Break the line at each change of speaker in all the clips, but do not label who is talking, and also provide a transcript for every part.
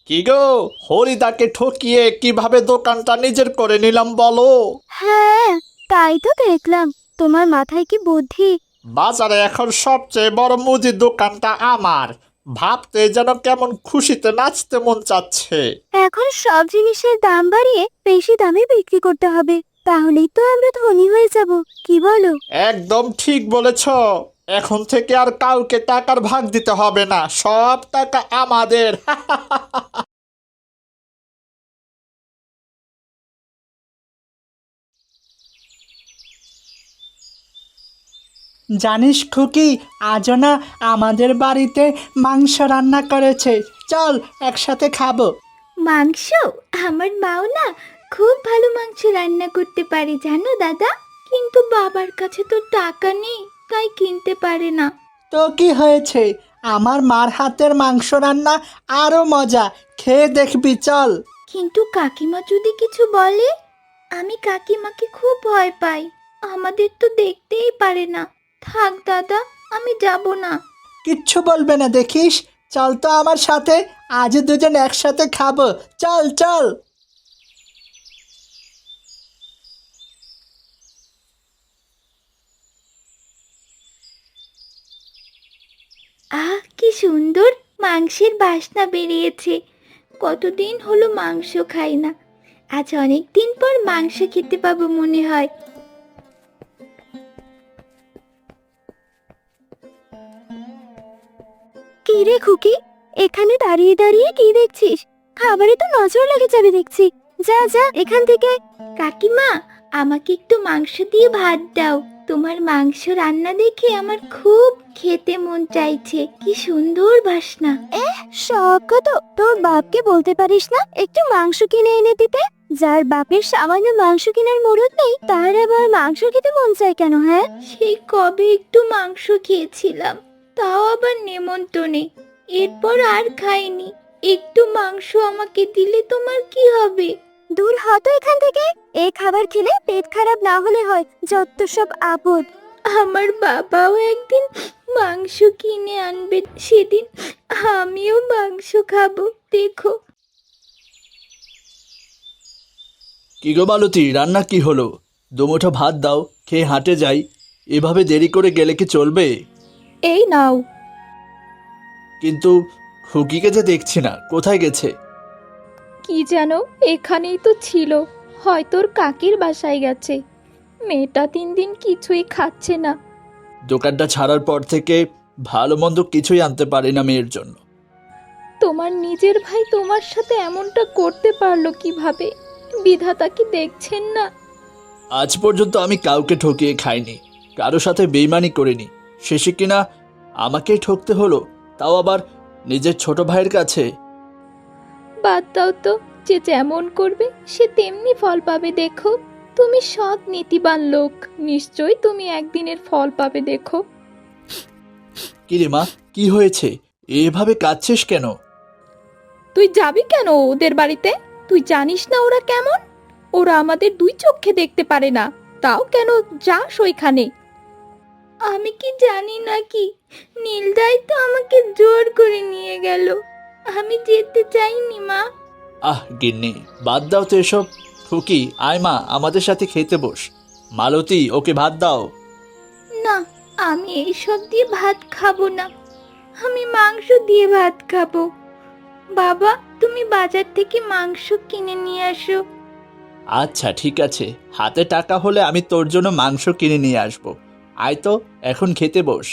কি গো, হরিদাকে ঠকিয়ে কিভাবে দোকানটা নিজের করে নিলাম বলো?
হ্যাঁ, তাই তো দেখলাম। তোমার মাথায় কি বুদ্ধি!
বাজারে এখন সবচেয়ে বড় মুদির দোকানটা আমার। ভাবতে যেন কেমন খুশিতে নাচতে মন চাচ্ছে।
এখন সব জিনিসের দাম বাড়িয়ে বেশি দামে বিক্রি করতে হবে, তাহলেই তো আমরা ধনী হয়ে যাব। কি বলো?
একদম ঠিক বলেছ। এখন থেকে আর কাউকে টাকার ভাগ দিতে হবে না, সব টাকা আমাদের।
জানিস খুকি, আজও না আমাদের বাড়িতে মাংস রান্না করেছে। চল একসাথে খাবো।
মাংস? আমার মাও না খুব ভালো মাংস রান্না করতে পারে জানো দাদা, কিন্তু বাবার কাছে তো টাকা নেই, তাই কিনতে পারে না।
তো কি হয়েছে, আমার মার হাতের মাংস রান্না আরো মজা, খেয়ে দেখবি, চল।
কিন্তু কাকিমা যদি কিছু বলে? আমি কাকিমাকে খুব ভয় পাই, আমাদের তো দেখতেই পারে না। থাক দাদা, আমি যাব না।
কিচ্ছু বলবে না দেখিস। চল তো আমার সাথে, আজ দুজন একসাথে খাবো। চল চল।
আহ, কি সুন্দর মাংসের বাসনা বেরিয়েছে। কতদিন হলো মাংস খাই না, আজ অনেক দিন পর মাংস খেতে পাবো মনে হয়। কি রে খুকি, এখানে দাঁড়িয়ে দাঁড়িয়ে কি দেখছিস? খাবারে তো নজর লেগে যাবে দেখছি। যা যা এখান থেকে। কাকিমা, আমাকে একটু মাংস দিয়ে ভাত দাও। তোমার মাংস রান্না দেখে আমার খুব খেতে মন চাইছে। কি সুন্দর বাসনা। শখ তো, তোর বাপকে বলতে পারিস না একটু মাংস কিনে এনে দিতে? যার বাপের সামান্য মাংস কেনার মুরত নেই, তার আবার মাংস খেতে মন চায় কেন? হ্যাঁ, সেই কবে একটু মাংস খেয়েছিলাম, তাও আবার নেমন্তন্নে। এরপর আর খাইনি। একটু মাংস আমাকে দিলে তোমার কি হবে? দূর হ তো এখান থেকে। এই খাবার খেলে পেট খারাপ না হলে হয়, যত সব আপদ। আমার বাবাও একদিন মাংস কিনে আনবে, সেদিন আমিও মাংস খাবো, দেখো।
কি গো মালতী, রান্না কি হলো? দুমুঠো ভাত দাও, খেয়ে হাঁটে যাই। এভাবে দেরি করে গেলে কি চলবে?
এই নাও।
কিন্তু খুকিকে যে দেখছি না, কোথায় গেছে?
কি যেন এখানেই তো ছিল, হয়তো ওর কাকির বাসায় গেছে। মেয়েটা 3 দিন কিছুই খাচ্ছে না।
দোকানটা ছাড়ার পর থেকে ভালো মন্দ কিছুই আনতে পারি না মেয়ের জন্য।
তোমার নিজের ভাই তোমার সাথে এমনটা করতে পারলো কিভাবে? বিধাতা কি দেখছেন না?
আজ পর্যন্ত আমি কাউকে ঠকিয়ে খাইনি, কারো সাথে বেইমানি করিনি। শেষে কিনা আমাকেই ঠকতে হলো, তাও আবার নিজের ছোট ভাইয়ের কাছে।
বাদ দাও তো, যে যেমন করবে সে তেমনি ফল পাবে। দেখো, তুমি সৎ নীতিবান লোক, নিশ্চয়ই তুমি একদিনের ফল পাবে। দেখো।
কিরে মা, কি হয়েছে? এভাবে কাঁদছিস কেন?
তুই যাবি কেন ওদের বাড়িতে? তুই জানিস না ওরা কেমন? ওরা আমাদের 2 চোখে দেখতে পারে না, তাও কেন যাস ওইখানে?
আমি কি জানি নাকি, নীলদাই তো আমাকে জোর করে নিয়ে গেল। আমি যেতে চাইনি মা।
আহ গিন্নি, বাদ দাও তো এসব। খুকি, আয় মা, আমাদের সাথে খেতে বস। মালতী, ওকে ভাত দাও।
না, আমি এইসব দিয়ে ভাত খাবো না। আমি মাংস দিয়ে ভাত খাবো। বাবা, তুমি বাজার থেকে মাংস কিনে নিয়ে আসো।
আচ্ছা ঠিক আছে, হাতে টাকা হলে আমি তোর জন্য মাংস কিনে নিয়ে আসবো। আয় তো, এখন খেতে বস।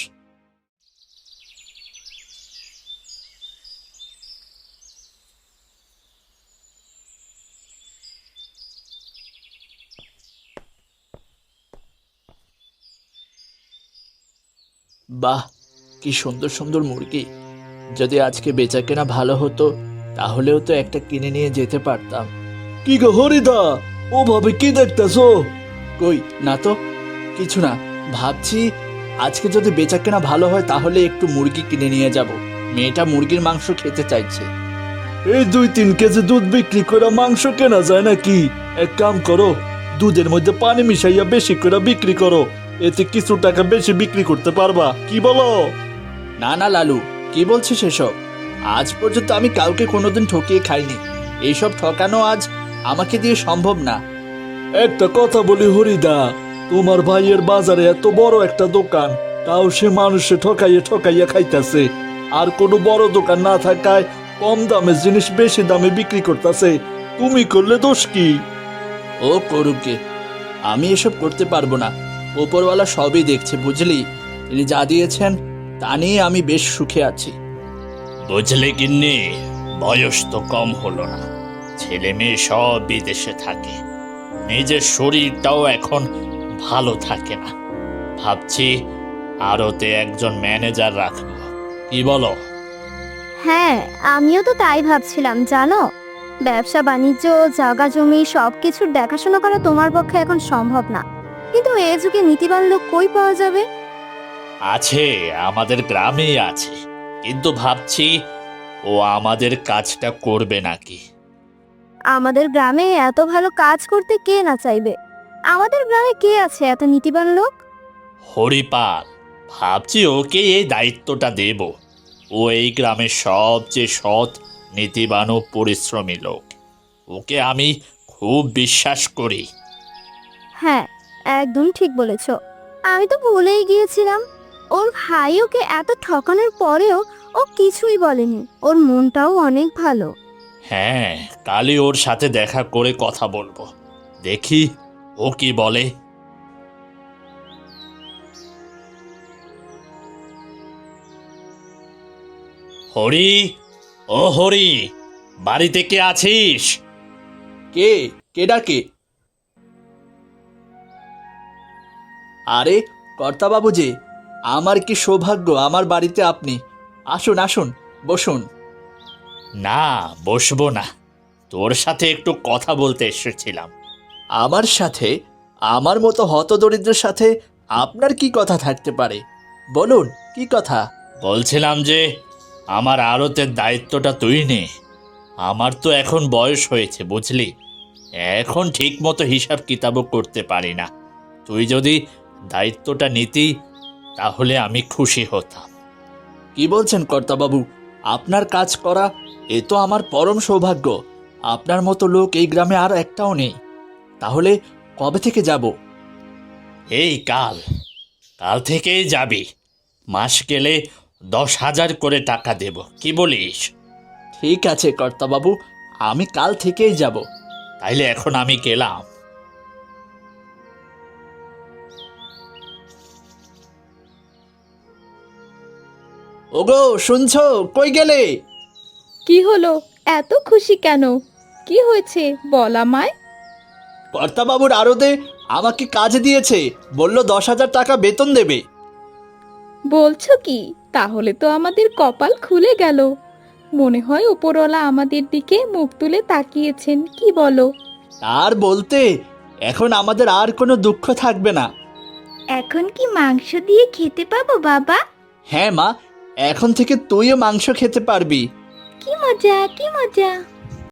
বাহ, কি সুন্দর সুন্দর মুরগি! যদি আজকে বেচাকেনা ভালো হতো, তাহলেও তো একটা কিনে নিয়ে যেতে পারতাম। কি গো হরিদা, ওভাবে কি দেখতেছো? কই না তো, কিছু না। ভাবছি আজকে যদি বেচাকেনা ভালো হয় তাহলে একটু মুরগি কিনে নিয়ে যাব। মেয়েটা মুরগির মাংস খেতে চাইছে। এই 2-3 কেজি দুধ বিক্রি করে মাংস কেনা যায় নাকি? এক কাম করো, দুধের মধ্যে পানি মিশাইয়া বেশি করে বিক্রি করো, এতে কিছু টাকা বেশি বিক্রি করতে পারবা। কি বলো? না না লালু, কি বলছিস এসব? আজ পর্যন্ত আমি কাউকে কোনোদিন ঠকিয়ে খাইনি। এইসব ঠকানো আজ আমাকে দিয়ে সম্ভব না। একটা কথা বলি হরিদা, তোমার ভাইয়ের বাজারে এত বড় একটা দোকান, তাও সে মানুষে ঠকাইয়া ঠকাইয়া খাইতেছে। আর কোনো বড় দোকান না থাকায় কম দামে জিনিস বেশি দামে বিক্রি করতেছে। তুমি করলে দোষ কি? ও করুকে, আমি এসব করতে পারবো না। ওপরওয়ালা সবই দেখছে, বুঝলি? তিনি যা দিয়েছেন তা নিয়ে আমি বেশ সুখে আছি। বুঝলে গিন্নি, বয়স তো কম হলো না, ছেলে মেয়ে সব বিদেশে থাকে, নিজের শরীরটাও এখন ভালো থাকে না। ভাবছি আরতে একজন ম্যানেজার রাখবো, কি বলো?
হ্যাঁ, আমিও তো তাই ভাবছিলাম জানো। ব্যবসা বাণিজ্য, জায়গা জমি সবকিছুর দেখাশোনা করা তোমার পক্ষে এখন সম্ভব না, কিন্তু এ যুগে নীতিবান লোক কই পাওয়া যাবে?
আছে, আমাদের গ্রামেই আছে, কিন্তু ভাবছি ও আমাদের কাজটা করবে নাকি।
আমাদের গ্রামে এত ভালো কাজ করতে কে না চাইবে? আমাদের গ্রামে কে আছে এত নীতিবান লোক?
হরিপাল, ভাবছি ওকে এই দায়িত্বটা দেব। ও এই গ্রামের সবচেয়ে সৎ, নীতিবান ও পরিশ্রমী লোক। ওকে আমি খুব বিশ্বাস করি।
হ্যাঁ, একদম ঠিক বলেছ। আমি তো ভুলেই গিয়েছিলাম, ওর ভাই ওকে এত ঠকানোর পরেও ও কিছুই বলেনি। ওর মনটাও অনেক ভালো।
হ্যাঁ, কালই ওর সাথে দেখা করে কথা বলবো, দেখি ও কি বলে। হরি, ও হরি, বাড়িতে কে আছিস? কে কে ডাকে? আরে কর্তাবাবু যে, আমার কি সৌভাগ্য আমার বাড়িতে আপনি। আসুন আসুন, বসুন। না, বসবো না, তোর সাথে একটু কথা বলতে এসেছিলাম। আমার সাথে? আমার মতো হতদরিদ্রের সাথে আপনার কি কথা থাকতে পারে? বলুন, কি কথা? বলছিলাম যে আমার আড়তের দায়িত্বটা তুই নে। আমার তো এখন বয়স হয়েছে, বুঝলি, এখন ঠিক মতো হিসাব কিতাবও করতে পারি না। তুই যদি দায়িত্বটা নিতি তাহলে আমি খুশি হতাম। কি বলছেন কর্তাবাবু? আপনার কাজ করা এ তো আমার পরম সৌভাগ্য। আপনার মতো লোক এই গ্রামে আর একটাও নেই। তাহলে কবে থেকে যাব? এই কাল, কাল থেকেই যাবি। মাস গেলে 10,000 করে টাকা দেব, কি বলিস? ঠিক আছে কর্তাবাবু, আমি কাল থেকেই যাব। তাইলে এখন আমি গেলাম। ওগো, শুনছো? কই গেলে?
কি হলো? এত খুশি কেন? কি হয়েছে বল আমায়।
কর্তাবাবুর আড়তে আমাকে কাজ দিয়েছে, বলল 10,000 টাকা বেতন দেবে।
বলছো কি? তাহলে তো আমাদের কপাল খুলে গেল। মনে হয় ওপরওয়ালা আমাদের দিকে মুখ তুলে তাকিয়েছেন, কি বলো?
আর বলতে, এখন আমাদের আর কোনো দুঃখ থাকবে না।
এখন কি মাংস দিয়ে খেতে পাবো বাবা?
হ্যাঁ মা, এখন থেকে তুইও মাংস খেতে পারবি।
কি মজা, কি মজা!